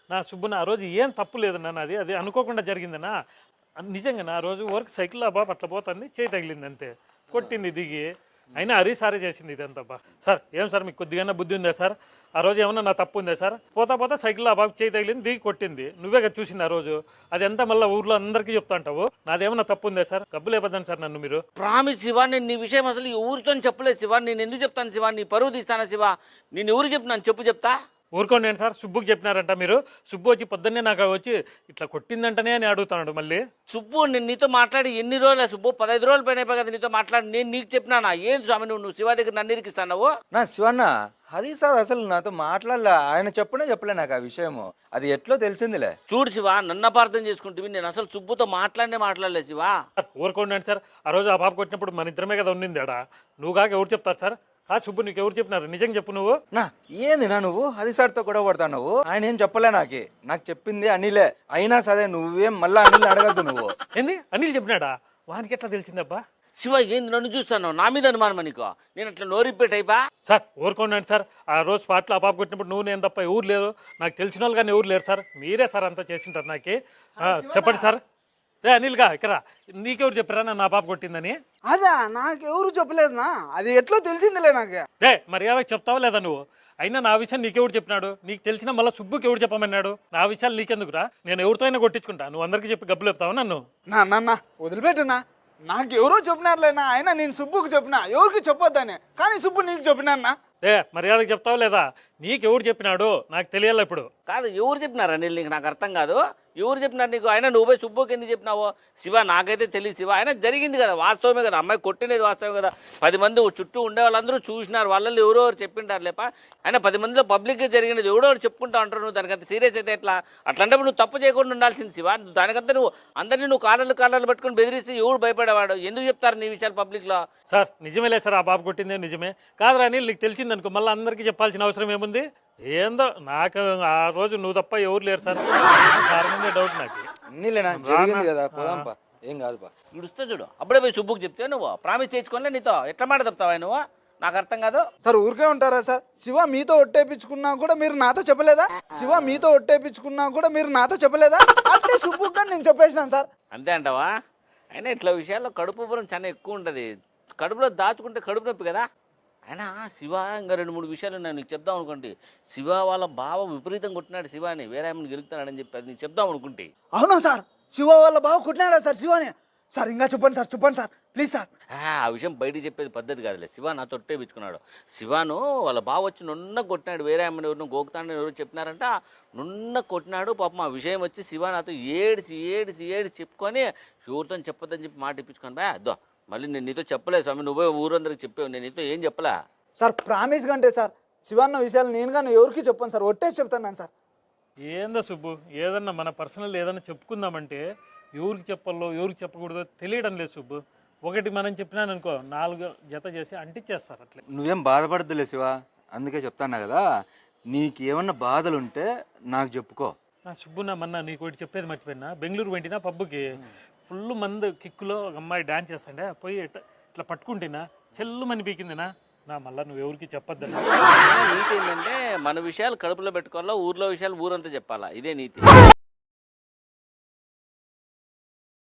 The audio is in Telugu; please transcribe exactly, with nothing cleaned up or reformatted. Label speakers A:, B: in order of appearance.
A: నా సుబ్బున ఆ రోజు ఏం తప్పు లేదన్నా నాది, అది అనుకోకుండా జరిగిందన్నా. నిజంగా నా రోజు వర్క్ సైకిల్ బాబు అట్లా పోతుంది, చేయి తగిలింది అంతే, కొట్టింది దిగి. అయినా హరి సారే చేసింది ఇదంతా బా. సార్ ఏం సార్ మీకు కొద్దిగా బుద్ధి ఉందా సార్? ఆ రోజు ఏమన్నా నా తప్పు ఉందా సార్? పోతా పోతా సైకిల్ ఆ బాబు చేయి తగిలింది, దిగి కొట్టింది, నువ్వే కదా చూసింది ఆ రోజు. అది ఎంత మళ్ళీ ఊర్లో అందరికీ చెప్తా అంటావు, నాదేమన్నా తప్పు ఉందా సార్? కబ్బులు ఇవ్వద్దండి సార్ నన్ను మీరు.
B: ప్రామిస్ శివ, నేను నీ విషయం అసలు ఎవరితో చెప్పలేదు శివ. నేను ఎందుకు చెప్తాను శివ? నీ పరువు తీస్తానా శివ? నేను ఎవరు చెప్తున్నాను చెప్పు, చెప్తా.
A: ఊరుకోండి ఏంటి సార్, సుబ్బుకి చెప్పినారంట మీరు. సుబ్బు వచ్చి పొద్దున్నే నాకు వచ్చి ఇట్లా కొట్టిందంటనే అని అడుగుతున్నాడు మళ్ళీ.
B: సుబ్బు నేను నీతో మాట్లాడి ఎన్ని రోజులే సుబ్బు? పదహైదు రోజులు పైన అయిపోయి కదా నీతో మాట్లాడి. నేను నీకు చెప్పినానా? ఏం స్వామి నువ్వు నువ్వు శివ దగ్గర నన్ను ఇరికిస్తావు?
C: నా శివన్న అది సార్ అసలు నాతో మాట్లాడలే, ఆయన చెప్పనే చెప్పలే నాకు ఆ విషయము. అది ఎట్లో తెలిసిందిలే.
B: చూడు శివ, నన్ను అపార్థం చేసుకుంటే నేను అసలు సుబ్బుతో మాట్లాడనే మాట్లాడలేదు శివ.
A: ఊరుకోండి సార్, ఆ రోజు ఆ బాబు కొట్టినప్పుడు మన ఇద్దరమే కదా ఉండింది ఆడ. నువ్వు కాక ఎవరు చెప్తారు సార్? ఆ సుబ్బు నీకు ఎవరు చెప్పినారు? నిజంగా చెప్పు నువ్వు.
C: నా ఏంది నా నువ్వు హరి సార్తో గొడవ పడతావు? నువ్వు ఆయన ఏం చెప్పలే నాకి, నాకు చెప్పింది అనిలే. అయినా సరే నువ్వేం మళ్ళీ అనిల్ అడగద్దు నువ్వు.
A: ఏంది అనిల్ చెప్పినాడా? వానికి ఎట్లా తెలిసిందబ్బా?
B: శివ ఏంది నన్ను చూస్తాను? నా మీద అనుమానం నీకు? నేను అట్లా నోరిప్పేట్ అయిపా?
A: సార్ ఊరుకోండి సార్, ఆ రోజు స్పాట్లో ఆ పాప కొట్టినప్పుడు నువ్వు నేను తప్ప ఎవరు లేరు, నాకు తెలిసిన వాళ్ళు కానీ ఎవరు లేరు సార్. మీరే సార్ అంతా చేసింటారు నాకి. చెప్పండి సార్. ఏ అనిల్గా ఇక్కడ నీకెవరు చెప్పారా నన్ను ఆ పాప కొట్టిందని?
D: అదా నాకెవరు చెప్పలేదునా, అది ఎట్లా తెలిసిందిలే నాకు.
A: ఏ మర్యాద చెప్తావా లేదా నువ్వు? అయినా నా విషయం నీకెవరు చెప్పినాడు? నీకు తెలిసిన మళ్ళీ సుబ్బుకి ఎవరు చెప్పమన్నాడు? నా విషయాలు నీకెందుకురా? నేను ఎవరితో అయినా కొట్టించుకుంటా, నువ్వు అందరికీ చెప్పి గబ్బులు చెప్తావా నన్ను?
D: నా నాన్న వదిలిపెట్టునా, నాకు ఎవరో చెప్పినారులేనా. అయినా నేను సుబ్బుకు చెప్పినా, ఎవరికి చెప్పొద్దని, కానీ సుబ్బు నీకు చెప్పినా.
A: ఏ మర్యాదకు చెప్తావా లేదా? నీకెవరు చెప్పినాడు నాకు తెలియాలి ఇప్పుడు.
B: కాదు ఎవరు చెప్పినారా నీళ్ళు? నీకు నాకు అర్థం కాదు. ఎవరు చెప్పినారు నీకు? అయినా నువ్వు పోయి సుబ్బుకి ఎందుకు చెప్పినావో? శివ నాకైతే తెలియదు శివ. అయినా జరిగింది కదా, వాస్తవమే కదా, అమ్మాయి కొట్టినది వాస్తవమే కదా. పది మంది చుట్టూ ఉండే వాళ్ళందరూ చూసినారు, వాళ్ళల్లో ఎవరో ఎవరు చెప్పింటారు లేప. అయినా పది మందిలో పబ్లిక్గా జరిగినది ఎవడో ఎవరు చెప్పుకుంటా ఉంటారు. నువ్వు దానికంత సీరియస్ అయితే ఎట్లా? అట్లాంటప్పుడు నువ్వు తప్పు చేయకుండా ఉండాల్సింది శివ. దానికంతా నువ్వు అందరినీ నువ్వు కాళ్ళలు కాళ్ళలు పట్టుకుని బెదిరిస్తే ఎవడు భయపడేవాడు? ఎందుకు చెప్తారు నీ విషయాలు పబ్లిక్లో?
A: సార్ నిజమేలే సార్, ఆ బాబు కొట్టిందే నిజమే. కాదురా అనిల్, నీకు తెలిసింది అనుకో మళ్ళీ అందరికీ చెప్పాల్సిన అవసరం ఏముంది? ఏందో నాకు ఆ రోజు నువ్వు తప్ప ఎవరు లేరు సార్, సార్ ముందే డౌట్ నాకు.
C: అన్నీలేనా జరిగింది కదా, పోదాంపా, ఏం కాదుపా.
B: ఇడుస్తా చూడు, అప్పుడే పోయి సుబ్బుకి చెప్తే నువ్వు ప్రామిస్ చేయించుకోలే, నీతో ఎట్లా మాట తప్పుతావా నువ్వు? నాకు అర్థం కాదు
D: సార్. ఊరికే ఉంటారా సార్? శివ మీతో ఒట్టేపించుకున్నా కూడా మీరు నాతో చెప్పలేదా? శివ మీతో ఒట్టేపించుకున్నా కూడా మీరు నాతో చెప్పలేదా? అంటే సుబ్బుకి కానీ నేను చెప్పేసినాను సార్.
B: అంతే అంటావా? అయినా ఇట్లా విషయాల్లో కడుపు ఉబ్బరం చాలా ఎక్కువ ఉంటుంది. కడుపులో దాచుకుంటే కడుపు నొప్పి కదా. అయినా శివ ఇంకా రెండు మూడు విషయాలు నేను నీకు చెప్దాం అనుకోండి. శివ వాళ్ళ బావ విపరీతం కొట్టినాడు శివాని, వేరే ఆమెను గెలుగుతాడని చెప్పి అది నీకు చెప్దాం అనుకుంటే.
D: అవునా సార్? శివ వాళ్ళ బావ కొట్టినాడా సార్ శివాని? సార్ ఇంకా చెప్పండి సార్, చెప్పండి సార్ ప్లీజ్ సార్.
B: ఆ విషయం బయటికి చెప్పేది పద్ధతి కాదులే. శివ నా తొట్టే పిచ్చుకున్నాడు. శివాను వాళ్ళ బావ వచ్చి నున్న కొట్టినాడు, వేరే ఆమెను ఎవరినో గోకుతాడని ఎవరు చెప్పినారంట. నున్న కొట్టినాడు పాపం. ఆ విషయం వచ్చి శివ నాతో ఏడిసి ఏడిసి ఏడిసి చెప్పుకొని ఎవరితో చెప్పొద్దని చెప్పి మాట ఇప్పించుకొని బా అద్దో. మళ్ళీ నేను నీతో చెప్పలేదు స్వామి, నువ్వే ఊరందరికి చెప్పావు, నేను నీతో ఏం చెప్పలే
D: సార్. ప్రామిస్ కంటే సార్ శివన్న విషయాలు నేను కానీ ఎవరికి చెప్పాను సార్, ఒట్టేసి చెప్తాను సార్.
A: ఏందో సుబ్బు, ఏదన్నా మన పర్సనల్ ఏదన్నా చెప్పుకుందామంటే ఎవరికి చెప్పాలో ఎవరికి చెప్పకూడదో తెలియడం లేదు సుబ్బు. ఒకటి మనం చెప్పినాను అనుకో, నాలుగు జత చేసి అంటించేస్తారు అట్లే.
C: నువ్వేం బాధపడద్దులే శివ, అందుకే చెప్తాను కదా, నీకు ఏమన్నా బాధలు ఉంటే నాకు చెప్పుకో.
A: నా సుబ్బు నా మన్నా నీకు ఒకటి చెప్పేది మర్చిపోయినా. బెంగళూరు వెంటినా పబ్బుకి ఫుల్ మంది కిక్కులో ఒక అమ్మాయి డ్యాన్స్ చేస్తాండే, పోయి ఇట్లా ఇట్లా పట్టుకుంటేనా చెల్లు మని పీకిందినా. నా మళ్ళీ నువ్వు ఎవరికి చెప్పొద్దని.
B: నీతి ఏంటంటే మన విషయాలు కడుపులో పెట్టుకోవాలా, ఊర్లో విషయాలు ఊరంతా చెప్పాలా, ఇదే నీతి.